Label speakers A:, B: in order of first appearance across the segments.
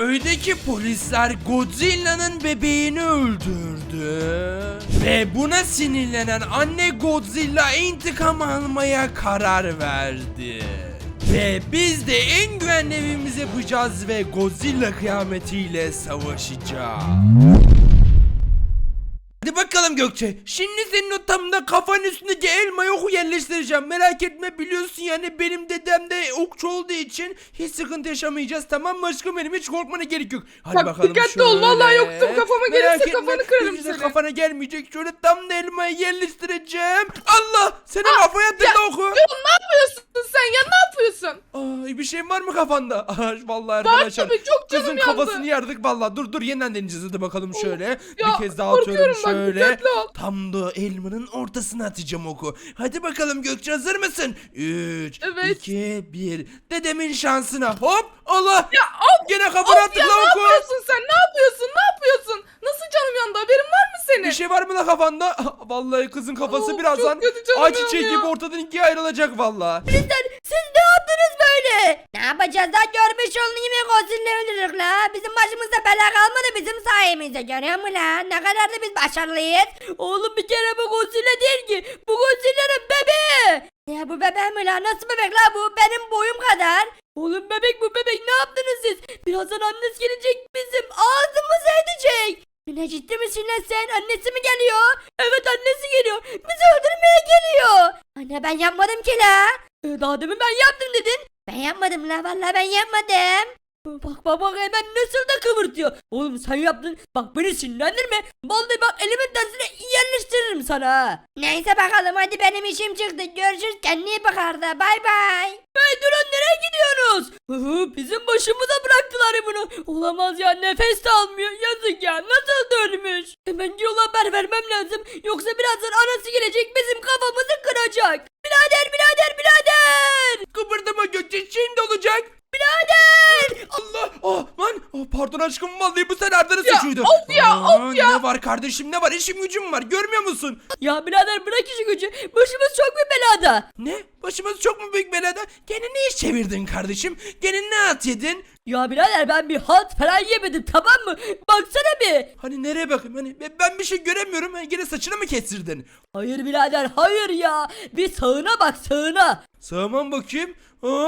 A: köydeki polisler Godzilla'nın bebeğini öldürdü. Ve buna sinirlenen anne Godzilla intikam almaya karar verdi. Ve biz de en güvenli evimizi yapacağız ve Godzilla kıyametiyle savaşacağız. Hadi bakalım Gökçe. Şimdi senin o tam da kafanın üstündeki elmayı oku yerleştireceğim. Merak etme, biliyorsun yani benim dedem de okçu olduğu için hiç sıkıntı yaşamayacağız, tamam mı aşkım benim? Hiç korkmana gerek yok. Hadi
B: Bak,
A: bakalım
B: dikkatli
A: şöyle.
B: ol, vallahi yoktum, kafama
A: Merak
B: gelirse
A: etme,
B: kafanı kırarım
A: hiç de
B: seni.
A: Kafana gelmeyecek. Şöyle tam da elmayı yerleştireceğim. Allah! Senin kafaya tıkla oku.
B: Ya ne yapıyorsun sen ya, ne yapıyorsun?
A: Ay, bir şeyin var mı kafanda? Vallahi
B: Var
A: arkadaşlar.
B: tabii, çok canım
A: Kızın
B: yandı.
A: kafasını yardık vallahi. Dur yeniden deneyeceğiz, hadi bakalım şöyle.
B: Ya,
A: Bir kez daha atıyorum
B: korkuyorum bak,
A: şöyle.
B: dikkatli ol.
A: Tam da elmanın ortasına atacağım oku. Hadi bakalım Gökçe, hazır mısın? 3,
B: Evet.
A: 2, 1. Dedemin şansına. Hop! Allah!
B: Ya of,
A: Gene kafana attık
B: ya
A: la
B: ne
A: oku.
B: yapıyorsun sen, ne yapıyorsun, ne yapıyorsun? Nasıl canım yandı, haberin var mı senin?
A: Bir şey var mı la kafanda? Vallahi kızın kafası
B: Of,
A: birazdan
B: çok kötü canım
A: ay çiçeği
B: yanıyor.
A: gibi ortadan ikiye ayrılacak vallahi.
C: Siz ne yaptınız böyle? Ne yapacağız lan, görmüş olun yine Godzilla öldürdük la. Bizim başımızda bela kalmadı bizim sayemizde, görüyor musun lan? Ne kadar da biz başarılıyız. Oğlum bir kere bu Godzilla değil ki. Bu Godzilla'nın bebeği. Ya bu bebek mi la? Nasıl bebek la bu? Benim boyum kadar. Oğlum bebek bu bebek, ne yaptınız siz? Birazdan annesi gelecek, bizim ağzımızı edecek. Ne, ciddi misin lan sen? Annesi mi geliyor? Evet, annesi geliyor. Bizi öldürmeye geliyor. Anne ben yapmadım ki la. Daha demin ben yaptım dedin. Ben yapmadım la, vallahi ben yapmadım. Bak hemen nasıl da kıvırtıyor. Oğlum sen yaptın. Bak beni sinirlendirme. Vallahi bak elimin tersine yerleştiririm sana ha. Neyse bakalım, hadi benim işim çıktı. Görüşürüz, kendine iyi bak Arda. Bay bay. Hey durun, nereye gidiyorsunuz? Bizim başımıza bıraktılar bunu. Olamaz ya, nefes de almıyor. Yazık ya, nasıl da ölmüş. Hemen yola haber vermem lazım. Yoksa birazdan anası gelecek, bizim kafamızı kıracak. Birader.
A: Kıpırdama Gökçe, şimdi olacak.
C: Birader.
A: Allah! Lan! Pardon aşkım, vallahi bu senaryoda
B: Ya,
A: suçuydu.
B: of ya.
A: Ne var kardeşim, ne var? İşim gücüm var, görmüyor musun?
C: Ya birader bırak işi gücü. Başımız çok bir belada.
A: Ne? Başımız çok mu büyük belada? Gene ne iş çevirdin kardeşim? Gene ne at yedin?
C: Ya birader ben bir halt falan yemedim, tamam mı? Baksana bir.
A: Hani nereye bakayım? Hani ben bir şey göremiyorum. Hani gene saçını mı kestirdin?
C: Hayır birader, hayır ya. Bir sağına bak, sağına.
A: Sağıma bakayım.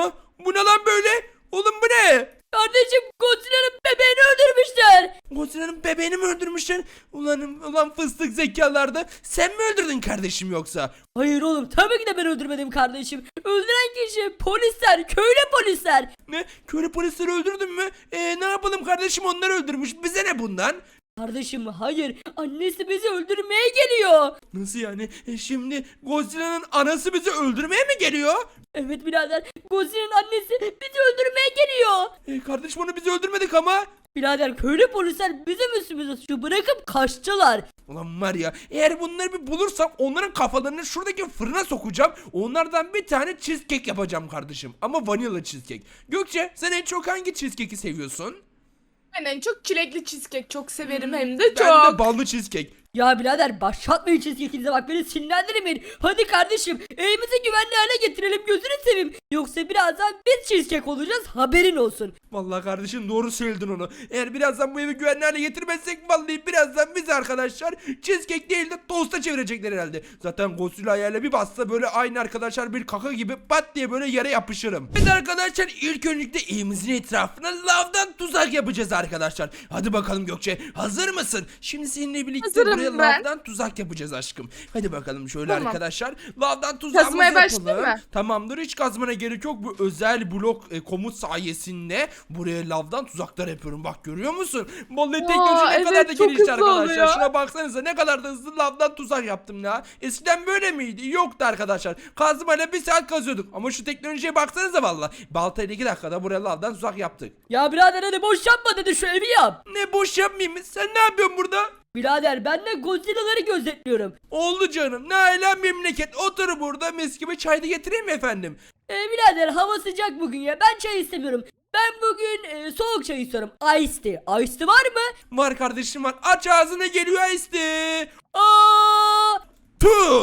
A: Bu ne lan böyle? Oğlum bu ne?
C: Kardeşim Godzilla'nın bebeğini öldürmüşler.
A: Godzilla'nın bebeğini mi öldürmüşler? Ulan fıstık zekalarda. Sen mi öldürdün kardeşim yoksa?
C: Hayır oğlum, tabii ki de ben öldürmedim kardeşim. Öldüren kişi polisler, köylü polisler.
A: Ne? Köylü polisleri öldürdün mü? Ne yapalım kardeşim, onlar öldürmüş. Bize ne bundan?
C: Kardeşim hayır, annesi bizi öldürmeye geliyor.
A: Nasıl yani? Şimdi Godzilla'nın anası bizi öldürmeye mi geliyor?
C: Evet birader, Godzilla'nın annesi bizi öldürmeye geliyor.
A: Kardeşim onu biz öldürmedik ama.
C: Birader köylü polisler bizim üstümüze suçu bırakıp kaçtılar.
A: Ulan var ya, eğer bunları bir bulursam onların kafalarını şuradaki fırına sokacağım. Onlardan bir tane cheesecake yapacağım kardeşim. Ama vanilla cheesecake. Gökçe, sen en çok hangi cheesecake'i seviyorsun?
B: Ben en çok çilekli cheesecake çok severim, hem de
A: Ben de
B: çok.
A: ballı cheesecake.
C: Ya birader başlatmayın çizgikinize, bak beni sinirlendirmeyin. Hadi kardeşim evimizi güvenli hale getirelim, gözünü seveyim. Yoksa birazdan biz cheesecake olacağız, haberin olsun.
A: Vallahi kardeşim doğru söyledin onu. Eğer birazdan bu evi güvenli hale getirmezsek vallahi birazdan biz arkadaşlar cheesecake değil de tosta çevirecekler herhalde. Zaten Godzilla ayağıyla bir bassa böyle aynı arkadaşlar bir kaka gibi pat diye böyle yere yapışırım. Evet arkadaşlar, ilk öncelikle evimizin etrafına lavdan tuzak yapacağız arkadaşlar. Hadi bakalım Gökçe, hazır mısın? Şimdi seninle birlikte
B: Hazırım
A: buraya
B: ben.
A: lavdan tuzak yapacağız aşkım. Hadi bakalım şöyle
B: Tamam.
A: arkadaşlar. Lavdan tuzağımızı
B: Kazmaya
A: yapalım.
B: başlayayım mı?
A: Tamamdır, hiç kazmana gerek yok. Bu özel blok komut sayesinde buraya lavdan tuzaklar yapıyorum. Bak görüyor musun? Vallahi teknoloji ne
B: evet,
A: kadar da
B: çok
A: gelişti
B: hızlı
A: arkadaşlar.
B: oluyor.
A: Şuna baksanıza, ne kadar da hızlı lavdan tuzak yaptım ya. Eskiden böyle miydi? Yoktu arkadaşlar. Kazmayla bir saat kazıyorduk. Ama şu teknolojiye baksanıza valla. Baltayla 2 dakikada buraya lavdan tuzak yaptık.
C: Ya birader hadi boş yapma dedi, şu evi yap.
A: Ne boş yapmayayım mı? Sen ne yapıyorsun burada?
C: Birader ben de Godzilla'ları gözetliyorum.
A: Oldu canım. Ne ala memleket. Otur burada, mis gibi çay da getireyim mi efendim?
C: Birader hava sıcak bugün ya, ben çay istemiyorum. Ben bugün soğuk çay istiyorum. Ice tea. Ice tea var mı?
A: Var kardeşim var. Aç ağzına, geliyor işte.
C: Aa!
A: Puh!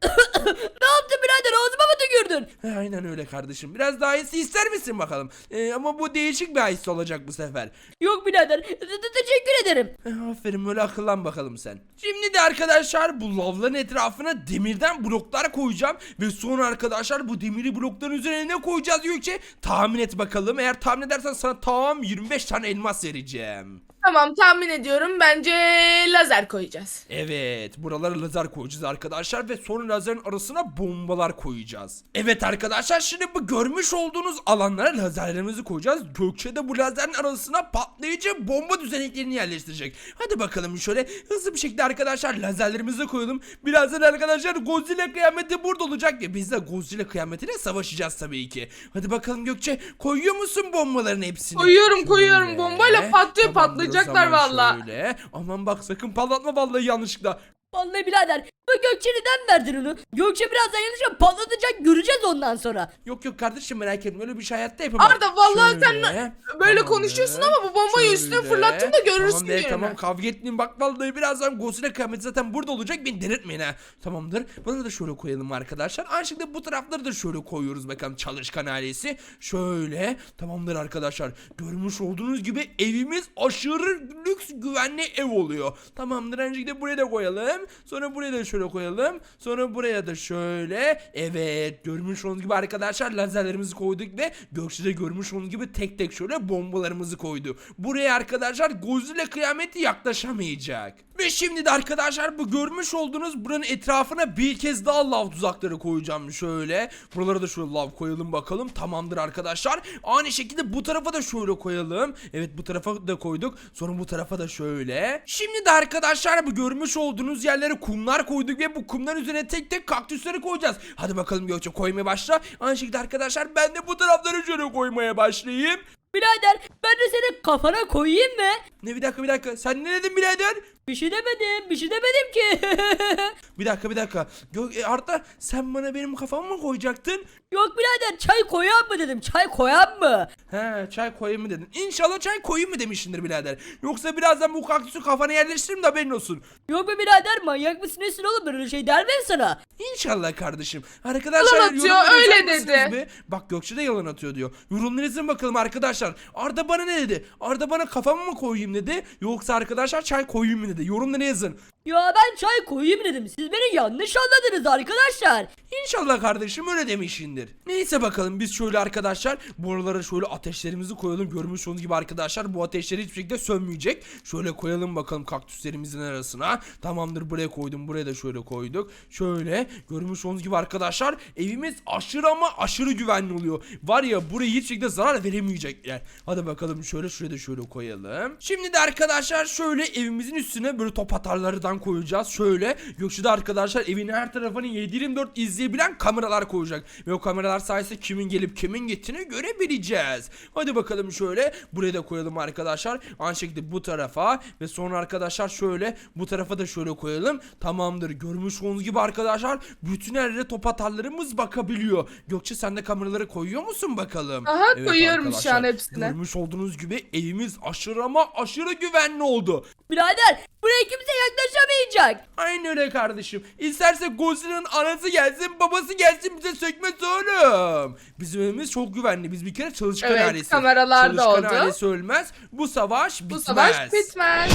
C: Ne yaptın birader, ağzıma mı tükürdün?
A: Aynen öyle kardeşim. Biraz daha iyisi ister misin bakalım? Ama bu değişik bir his olacak bu sefer.
C: Yok birader, teşekkür ederim.
A: Aferin, böyle akıllan bakalım sen. Şimdi de arkadaşlar bu lavların etrafına demirden bloklar koyacağım. Ve sonra arkadaşlar bu demiri blokların üzerine ne koyacağız Gökçe? Tahmin et bakalım. Eğer tahmin edersen sana tam 25 tane elmas vereceğim.
B: Tamam, tahmin ediyorum. Bence lazer koyacağız.
A: Evet, buralara lazer koyacağız arkadaşlar ve sonra lazerin arasına bombalar koyacağız. Evet arkadaşlar, şimdi bu görmüş olduğunuz alanlara lazerlerimizi koyacağız. Gökçe de bu lazerin arasına patlayıcı bomba düzeneklerini yerleştirecek. Hadi bakalım şöyle hızlı bir şekilde arkadaşlar lazerlerimizi koyalım. Birazdan arkadaşlar Godzilla kıyameti burada olacak ve biz de Godzilla kıyametiyle savaşacağız tabii ki. Hadi bakalım Gökçe, koyuyor musun bombaların hepsini?
B: Koyuyorum. Bombayla patlıyor,
A: Tamamdır, o
B: patlayacaklar
A: zaman
B: valla.
A: şöyle. Aman bak, sakın patlatma vallahi yanlışlıkla.
C: Vallahi birader, bu Gökçe neden verdin onu? Gökçe birazdan yanlışlıkla patlatacak, göreceğiz ondan sonra.
A: Yok kardeşim, merak etme, öyle bir şey hayatta yapamam.
B: Arda, vallahi sen
A: Şöyle,
B: böyle
A: tamamdır.
B: konuşuyorsun ama bu bombayı üstüne
A: Şöyle.
B: fırlattın da görürsün
A: Tamam be,
B: gününü.
A: tamam, kavga etmeyin bak, vallahi birazdan Godzilla kıyameti zaten burada olacak, beni delirtmeyin ha. Tamamdır, bunu da şöyle koyalım arkadaşlar. Aynı şekilde bu tarafları da şöyle koyuyoruz bakalım, çalışkan ailesi. Şöyle, tamamdır arkadaşlar. Görmüş olduğunuz gibi evimiz aşırı lüks, güvenli ev oluyor. Tamamdır, aynı şekilde buraya da koyalım. Sonra buraya da şöyle koyalım. Sonra buraya da şöyle. Evet, görmüş olduğunuz gibi arkadaşlar lazerlerimizi koyduk ve Gökçe'de görmüş olduğunuz gibi tek tek şöyle bombalarımızı koydu. Buraya arkadaşlar Godzilla kıyameti yaklaşamayacak. Ve şimdi de arkadaşlar bu görmüş olduğunuz buranın etrafına bir kez daha lav tuzakları koyacağım şöyle. Buralara da şöyle lav koyalım bakalım. Tamamdır arkadaşlar. Aynı şekilde bu tarafa da şöyle koyalım. Evet, bu tarafa da koyduk. Sonra bu tarafa da şöyle. Şimdi de arkadaşlar bu görmüş olduğunuz yerlere kumlar koyduk ve bu kumların üzerine tek tek kaktüsleri koyacağız. Hadi bakalım Gökçe, koymaya başla. Aynı şekilde arkadaşlar ben de bu tarafları şöyle koymaya başlayayım.
C: Birader, ben de senin kafana koyayım mı?
A: Ne, bir dakika. Sen ne dedin birader?
C: Bir şey demedim ki.
A: Bir dakika. Arda, sen bana benim kafamı mı koyacaktın?
C: Yok birader, çay koyan mı dedim, çay koyan mı?
A: He, çay koyayım mı dedin. İnşallah çay koyayım mı demişsindir birader. Yoksa birazdan bu kaktüsü kafana yerleştiririm de haberin olsun.
C: Yok be birader, manyak mısın nesin oğlum, böyle şey der miyim sana?
A: İnşallah kardeşim. Arkadaşlar
B: Yalan atıyor,
A: yorumlara
B: öyle
A: yazar mısınız
B: dedi.
A: be? Bak, Gökçe de yalan atıyor diyor. Yorumlarınızı bakalım arkadaşlar. Arda bana ne dedi? Arda bana kafamı mı koyayım dedi? Yoksa arkadaşlar çay koyayım mı dedi? Yorumlara yazın.
C: Ya ben çay koyayım dedim, siz beni yanlış anladınız arkadaşlar.
A: İnşallah kardeşim öyle demişindir. Neyse bakalım, biz şöyle arkadaşlar buralara şöyle ateşlerimizi koyalım. Görmüş olduğunuz gibi arkadaşlar bu ateşler hiçbir şekilde sönmeyecek. Şöyle koyalım bakalım kaktüslerimizin arasına. Tamamdır, buraya koydum, buraya da şöyle koyduk. Şöyle görmüş olduğunuz gibi arkadaşlar evimiz aşırı ama aşırı güvenli oluyor. Var ya, buraya hiçbir şekilde zarar veremeyecekler. Hadi bakalım şöyle, şuraya da şöyle koyalım. Şimdi de arkadaşlar şöyle evimizin üstüne böyle top atarlardan koyacağız. Şöyle Gökçe'de arkadaşlar evin her tarafını 7/24 izleyebilen kameralar koyacak. Ve o kameralar sayesinde kimin gelip kimin gittiğini görebileceğiz. Hadi bakalım şöyle buraya da koyalım arkadaşlar. Aynı şekilde bu tarafa ve sonra arkadaşlar şöyle bu tarafa da şöyle koyalım. Tamamdır, görmüş olduğunuz gibi arkadaşlar bütün her yere top atarlarımız bakabiliyor. Gökçe, sen de kameraları koyuyor musun bakalım?
B: Aha,
A: Evet
B: koyuyorum şu
A: arkadaşlar,
B: an hepsine.
A: görmüş olduğunuz gibi evimiz aşırı ama aşırı güvenli oldu.
C: Birader, buraya kimse yaklaşamayacak.
A: Aynı öyle kardeşim. İsterse Godzilla'nın anası gelsin, babası gelsin, bize sökmez oğlum. Bizim evimiz çok güvenli. Biz bir kere çalışkan
B: Evet,
A: ailesi.
B: kameralar da
A: Çalışkan
B: oldu.
A: ailesi ölmez. Bu savaş bitmez.
B: Bu savaş bitmez.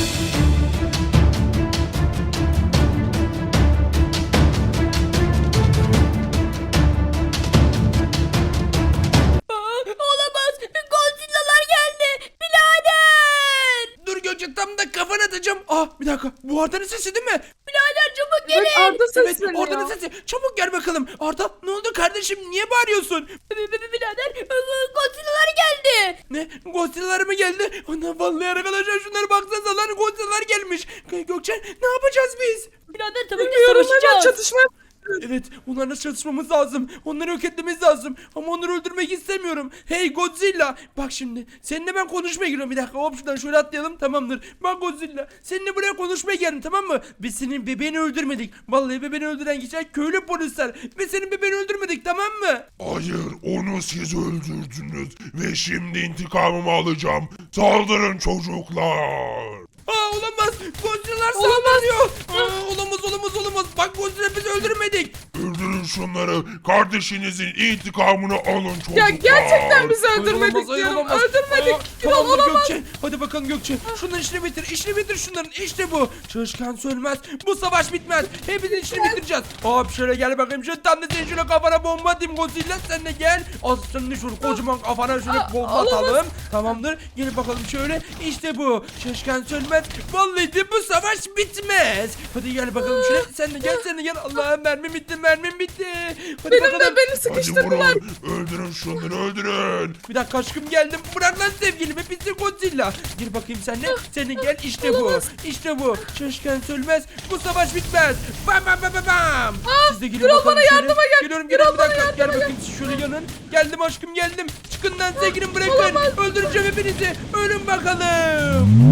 C: Olamaz, Godzilla'lar geldi. Birader.
A: Dur Gökçe, tam da kafana atacağım. Bir dakika. Bu Arda'nın sesi değil mi?
C: Birader çabuk
B: Evet,
C: gelin.
B: Arda
A: Evet,
B: sesleniyor.
A: Arda'nın sesi. Çabuk gel bakalım. Arda, ne oldu kardeşim? Niye bağırıyorsun?
C: Birader, Godzilla'lar geldi.
A: Ne? Godzilla'lar mı geldi? Ana, vallahi arkadaşlar şunlara baksanıza lan, Godzilla'lar gelmiş. Gökçe, ne yapacağız biz?
C: Birader tabii ki
B: Bilmiyorum, hemen
C: savaşacağız.
B: çatışma.
A: Evet, onlarla çatışmamız lazım. Onları yok etmemiz lazım. Ama onları öldürmek istemiyorum. Hey Godzilla, bak şimdi seninle ben konuşmaya giriyorum. Bir dakika, hop şuradan şöyle atlayalım, tamamdır. Bak Godzilla, seninle buraya konuşmaya geldim, tamam mı? Biz senin bebeğini öldürmedik. Vallahi bebeğini öldüren kişiler köylü polisler. Ve senin bebeğini öldürmedik, tamam mı?
D: Hayır, onu siz öldürdünüz ve şimdi intikamımı alacağım. Saldırın çocuklar.
A: Olamaz. Godzilla'lar saldırıyor. Olamaz. olamaz. Bak Godzilla biz öldürmedik.
D: Öldürün şunları. Kardeşinizin intikamını alın çocuklar.
B: Ya gerçekten bizi
A: Hayır,
B: öldürmedik
A: olamaz, hayır,
B: diyorum.
A: olamaz.
B: Öldürmedik. Gürol
A: Tamamdır
B: olamaz.
A: Gökçe. Hadi bakalım Gökçe. Şunların işini bitir. İşini bitir şunların. İşte bu. Çalışkan sönmez. Bu savaş bitmez. Hepimizin işini bitireceğiz. Hop şöyle gel bakayım. Şöyle tam da senin şöyle kafana bomba atayım Godzilla. Sen de gel. Aslanını şöyle kocaman kafana şöyle bomba
B: olamaz.
A: atalım. Tamamdır. Gel bakalım şöyle. İşte bu. Çalışkan sönmez. Vallahi de bu savaş bitmez. Hadi gel bakalım şöyle. Sen de gel. Allah'ım mermim bitti. Hadi
B: Benim
A: bakalım.
B: de beni
D: Hadi
B: sıkıştırdılar.
D: vurun. Öldürün şunları öldürün.
A: Bir dakika aşkım geldim. Bırak lan sevgilimi. Bizi Godzilla. Gir bakayım sen de. Sen de gel. İşte bu. İşte bu. Çalışkan sönmez. Bu savaş bitmez. Bam. Siz de girin
B: Gürol
A: bakalım
B: bana
A: şöyle.
B: yardıma gel.
A: Geliyorum
B: Gürol
A: bir
B: bana
A: dakika. Gel
B: yardıma
A: bakayım siz şöyle yanın. Geldim aşkım geldim. Çıkın lan sevgilim bırakın. Öldüreceğim hepinizi. Ölün bakalım.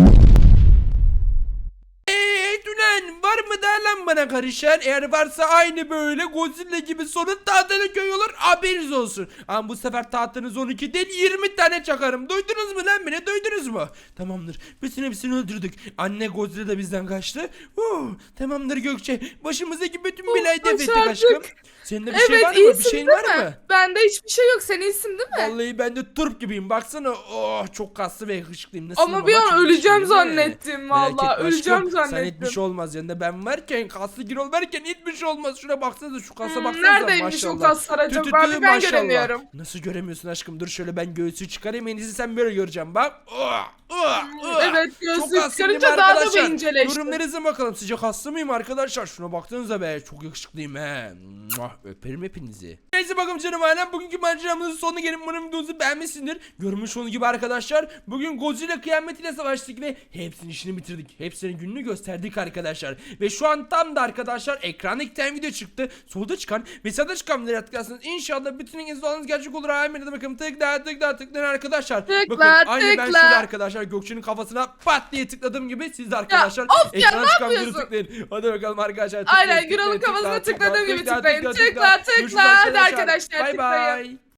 A: Dünen var mı da lan bana karışan? Eğer varsa aynı böyle Godzilla gibi sonun tahtanı köy olur haberiniz olsun. Ama bu sefer tahtanız 12 değil 20 tane çakarım. Duydunuz mu lan beni duydunuz mu? Tamamdır bütün hepsini öldürdük. Anne Godzilla da bizden kaçtı. Tamamdır Gökçe başımızdaki bütün belayı def ettik
B: başardık.
A: aşkım. Senin de bir şey
B: Evet
A: var mı? Bir
B: iyisin
A: şeyin
B: değil
A: var
B: mi?
A: mı?
B: Bende hiçbir şey yok. Sen iyisin değil mi?
A: Vallahi ben de turp gibiyim. Baksana. Oh çok kaslı ve yakışıklıyım. Nasılım
B: Ama bir an
A: Çok
B: öleceğim
A: yakışıklıyım, değil mi?
B: zannettim
A: Merak
B: valla.
A: etme
B: Öleceğim
A: aşkım, Sen
B: zannettim.
A: hiçbir şey olmaz. Yanında ben varken kaslı Girol varken hiçbir şey olmaz. Şuna baksanıza şu kasa baksanıza
B: neredeymiş o
A: maşallah.
B: kaslar acaba?
A: Tü,
B: Ben
A: maşallah.
B: göremiyorum.
A: Nasıl göremiyorsun aşkım? Dur şöyle ben göğsü çıkarayım. En iyisi sen böyle göreceğim bak.
B: Evet, göğsü
A: Çok kaslıyım
B: çıkarınca
A: değil mi
B: daha da
A: arkadaşlar?
B: bir inceleşti.
A: Yorumlarınıza bakalım. Sizce kaslı mıyım arkadaşlar? Şuna baksanıza be. Çok yakışıklıyım he. Öperim hepinizi. Neyse bakalım canım ailem. Bugünkü maceramızın sonuna gelin. Umarım videomuzu beğenmişsindir. Görmüş olduğunuz gibi arkadaşlar. Bugün Godzilla kıyametiyle savaştık ve hepsinin işini bitirdik. Hepsinin gününü gösterdik arkadaşlar. Ve şu an tam da arkadaşlar ekranda 2 tane video çıktı. Solda çıkan ve sağda çıkan videoları tıklarsanız inşallah bütün İngilizce gerçek olur. Amin. Bakın tıklayın arkadaşlar. Bakın aynı ben şöyle arkadaşlar Gökçe'nin kafasına pat diye tıkladığım gibi siz de arkadaşlar
B: of ya,
A: ekrana
B: ne
A: çıkan videoları
B: yapıyorsun?
A: tıklayın. Hadi bakalım arkadaşlar.
B: Aynen Gürol'un kafasına tıkladığım gibi tıklayın. Tıkla. Hadi arkadaşlar
A: Bay
B: tıklayın.
A: bay.